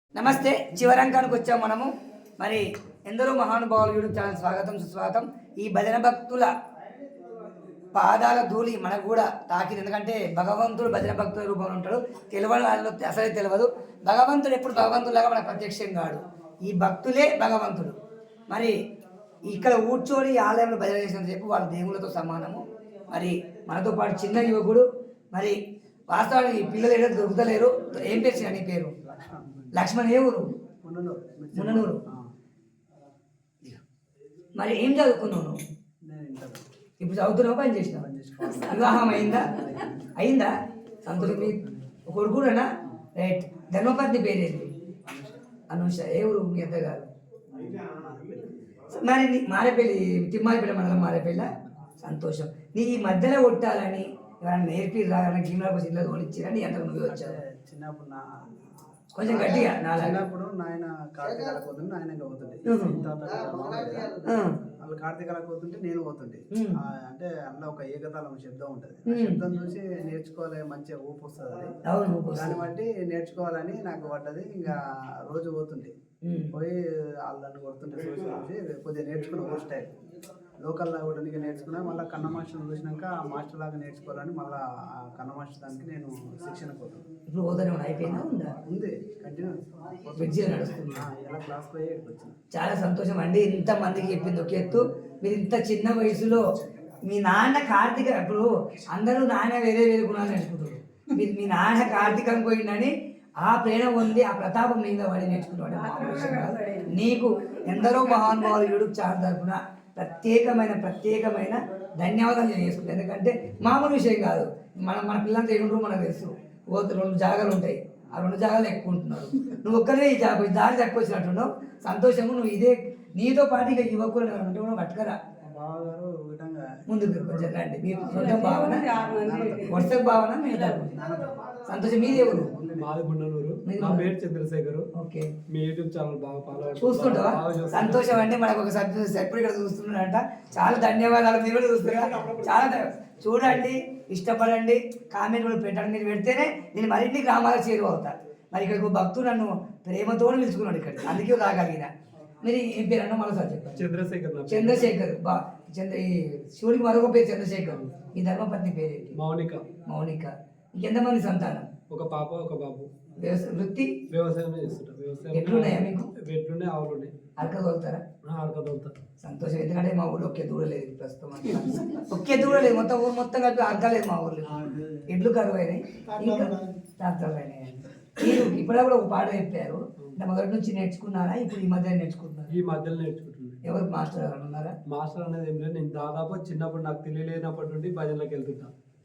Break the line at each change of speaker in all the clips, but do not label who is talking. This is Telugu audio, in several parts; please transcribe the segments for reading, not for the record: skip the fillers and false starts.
నమస్తే, చివరంకానికి వచ్చాం మనము. మరి ఎందరో మహానుభావులు యూట్యూబ్ ఛానల్ స్వాగతం సుస్వాగతం. ఈ భజన భక్తుల పాదాల ధూళి మనకు కూడా తాకింది. ఎందుకంటే భగవంతుడు భజన భక్తుల రూపంలో ఉంటాడు. తెలియని వాళ్ళు అసలే తెలియదు. భగవంతుడు ఎప్పుడు భగవంతులాగా మనకు ప్రత్యక్షం కాడు. ఈ భక్తులే భగవంతుడు. మరి ఇక్కడ కూర్చొని ఆలయంలో భజన చేసినంతసేపు వాళ్ళు దేవుళ్ళతో సమానము. మరి మనతో పాటు చిన్న యువకుడు, మరి వాస్తవానికి పిల్లలు ఏదో దొరుకుతలేరు. ఏం పేరు చిన్న నీ పేరు? లక్ష్మణ్. ఏ ఊరు? మున్ననూరు. మరి ఏం చదువుకున్నావు నువ్వు? ఇప్పుడు చదువుతున్నావు, పని చేసినావు? వివాహం అయిందా? సంతోషం. మీ కొడుకునా? రైట్. ధర్మపత్ని పేరేంటి? అనుష. ఏ ఊరు మీ అత్తగారు? మరి మారేపల్లి, తిమ్మాయిపేట మండలం మారేపల్లి. సంతోషం. నీ ఈ మధ్యలో కొట్టాలని ఎవరైనా నేర్పిరా? గిన్నెల కోసం ఇల్లు తోలిచ్చిరని ఎంత నువ్వే వచ్చావు?
చిన్నప్పుడు
కొంచెం గట్టిగా.
చిన్నప్పుడు నాయన కార్తీకాల పోతుంటే ఆయన పోతుండే, వాళ్ళు కార్తీకాల పోతుంటే నేను పోతుండే. అంటే అందులో ఒక ఏకతాళం శబ్దం ఉంటుంది. శబ్దం చూసి నేర్చుకోవాలి, మంచిగా ఊపు వస్తుంది. అది దాన్ని బట్టి నేర్చుకోవాలని నాకు పడ్డది. ఇంకా రోజు పోతుండే, పోయి వాళ్ళని కొడుతుంటే చూసి కొద్దిగా నేర్చుకున్న ఓ స్టైల్ లోకల్ లాగా కూడా నేర్చుకున్నా. మళ్ళీ కన్న మాస్టర్ చూసినాక ఆ మాస్టర్ లాగా నేర్చుకోవాలని మళ్ళీ ఆ కన్న మాస్టర్ దానికి నేను శిక్షణ పోతాను.
ఇప్పుడు పోతానే అయిపోయిందా?
ఉంది, కంటిన్యూ ఎలా క్లాస్ పోయి వచ్చింది.
చాలా సంతోషం అండి. ఇంతమందికి చెప్పింది ఒక ఎత్తు. మీరు ఇంత చిన్న వయసులో మీ నాన్న కార్తీక, ఇప్పుడు అందరూ నాన్న వేరే వేరే గుణాలు నేర్చుకుంటారు. మీరు మీ నాన్న కార్తీకం పోయిందని ఆ ప్రేరణ ఉంది, ఆ ప్రతాపం మీద వాడి నేర్చుకుంటాడు. నీకు ఎందరో మహానుభావులు యూట్యూబ్ ఛానల్ తరఫున ప్రత్యేకమైన ధన్యవాదాలు నేను చేసుకుంటాను. ఎందుకంటే మామూలు విషయం కాదు. మన పిల్లలతో ఏముంటారు మనకు తెలుసు. 2 జాగాలు ఉంటాయి, ఆ 2 జాగాలు ఎక్కువ ఉంటున్నారు. నువ్వు ఒక్కరే ఈ దారి తక్కువ వచ్చినట్టున్నావు. సంతోషము. నువ్వు ఇదే నీతో పాటు ఇక యువకులు ఉంటే కూడా పట్టుకరా ముందుకు కొంచెం రండి. మీ సొంత భావన, వర్షపు భావన మీద సంతోషం. మీది ఎవరు?
మాది మున్ననూరు. నా పేరు చంద్రశేఖర్.
ఓకే.
మీ యూట్యూబ్ ఛానల్ బాగా ఫాలో
చూస్తుంటావా? సంతోషం అండి. మనకు ఒక సభ్యుడు ఇక్కడ చూస్తున్నాడంట. చాలా ధన్యవాదాలు. మీరు కూడా చూస్తున్నారు. చాలా చూడండి, ఇష్టపడండి, కామెంట్ కూడా పెట్టండి. మీరు పెడితేనే నేను మరిన్ని గ్రామాలకు చేరువవుతా. మరి ఇక్కడ భక్తుడు నన్ను ప్రేమతో పిలుచుకున్నాడు ఇక్కడ, అందుకే రాగలిగిన. మీరు ఏం పేరు అన్నా మరోసారి చెప్పండి. చంద్రశేఖర్. ఈ శివుడికి మరొక పేరు చంద్రశేఖర్. ఈ ధర్మపత్ని పేరేంటి? మౌనిక. ఇంకెంతమంది సంతానం?
ఒక పాప, ఒక బాబు.
వృత్తి
వ్యవసాయం చేస్తుంటారు.
ఎట్లున్నాయా మీకు?
ఎట్లున్నాయి? ఆవులు ఉన్నాయి.
అరకదోలుతారా?
అరకదోలుతారు.
సంతోషం. ఎందుకంటే మా ఊళ్ళో ఒకే దూడలేదు ప్రస్తుతం. ఒకే దూడలేదు, మొత్తం ఊరు మొత్తం కలిపి అరకలేదు మా ఊర్లో. ఎడ్లు కరువు అయినాయి, ఇంకా ట్రాక్టర్లు అయినాయి. మీరు ఇప్పుడు కూడా ఒక పాట చెప్పారు. మొదటి నుంచి నేర్చుకున్నారా? ఇప్పుడు ఈ మధ్య నేర్చుకుంటున్నారు?
ఈ మధ్యలో నేర్చుకుంటున్నాను.
ఎవరు మాస్టర్ గారు ఉన్నారా?
మాస్టర్ అనేది ఏం లేదు. నేను దాదాపు చిన్నప్పుడు నాకు తెలియలేనప్పటి నుండి భజనలోకి వెళ్తుంటా.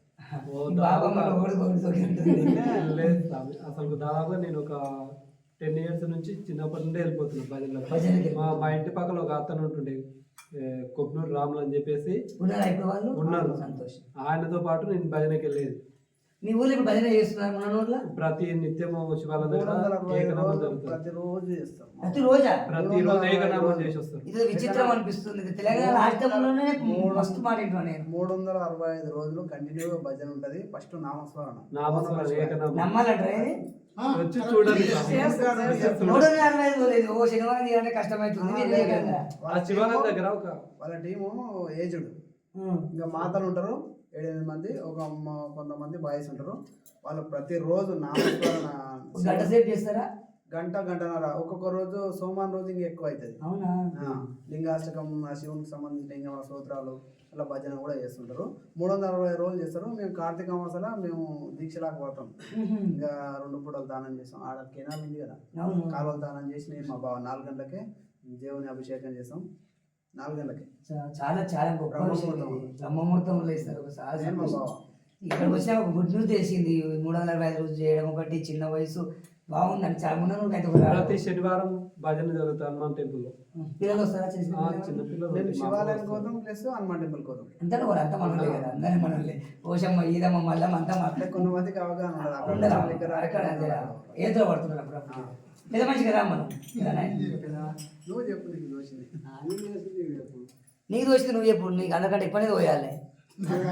లేదు అసలు దాదాపుగా నేను ఒక 10 years నుంచి చిన్నప్పటి నుండి వెళ్ళిపోతున్నాను భజనలోకి. మా ఇంటి పక్కన ఒక అతను ఉంటుండే, కొబ్బనూరు రాములు అని చెప్పేసి ఉన్నారు. ఆయనతో పాటు నేను భజనకి వెళ్ళేది.
మీ ఊళ్ళో ఇప్పుడు భజన చేస్తున్నారు? మన ఊళ్ళో
ప్రతి నిత్యము శివాలయం దగ్గర ఏకనామం జరుగుతుంది. ప్రతిరోజు ఏకనామం చేసి వస్తారు.
ఇది విచిత్రం అనిపిస్తుంది. తెలంగాణ రాష్ట్రంలోనే మస్తు మాట నేను
365 రోజులు కంటిన్యూగా భజన ఉంటది. ఫస్ట్ నామస్మరణ
ఏకనామం
నమ్మాలంటారా?
వచ్చి చూడండి.
365 లేదు. ఓ శనివారం తీయాలంటే కష్టమవుతుంది.
శివాలయం దగ్గర
వాళ్ళ టీము ఏజ్డ్, ఇంకా మాతలు ఉంటారు 7-8 మంది, కొంతమంది బాయ్స్ ఉంటారు. వాళ్ళు ప్రతిరోజు నామస్మరణ
గంట సేపు చేస్తారా?
గంటన్నర. ఒక్కొక్క రోజు సోమవారం రోజు ఇంకా ఎక్కువ అవుతుంది. లింగాష్టకం, శివునికి సంబంధించిన లింగ స్తోత్రాలు అలా భజన కూడా చేస్తుంటారు. 360 రోజులు చేస్తారు. మేము కార్తీక మాసాల మేము దీక్షలాగా పడతాం. ఇంకా 2 పూటలు దానం చేస్తాం. ఆడ కెనాల్ ఉంది కదా, కాలువలు దానం చేసి నేను మా బావ 4 గంటలకే దేవుని అభిషేకం చేస్తాం. 4 గంటలకి
చాలా గొప్ప బ్రహ్మముహూర్తంలో ఇస్తారు. ఇక్కడ వచ్చిన ఒక గుడ్ న్యూస్ తెలిసింది. 365 రోజులు చేయడం ఒకటి, చిన్న వయసు బాగుందని చాలా ముందు.
ప్రతి శనివారం భజన జరుగుతుంది హనుమాన్ టెంపుల్ లో.
పిల్లలు వస్తారా?
చిన్న పిల్లలు
శివాలయానికి పోతాం, ప్లస్ హనుమాన్ టెంపుల్ పోతాం.
అంతా మనలే కదా, అందరినీ మనలే. పోషమ్మ, ఈదమ్మ, మల్లమ్మ అంతా
అంటే కొంతమందికి అవగాహన
ఏదో పడుతున్నారు. అప్పుడు పెద్ద మనిషికి రా మనం.
నువ్వు చెప్పు, నీకు దోషింది.
నీకు దోషింది నువ్వు చెప్పు. నీకు అందరికంటే ఎక్కువనే పోయాలి.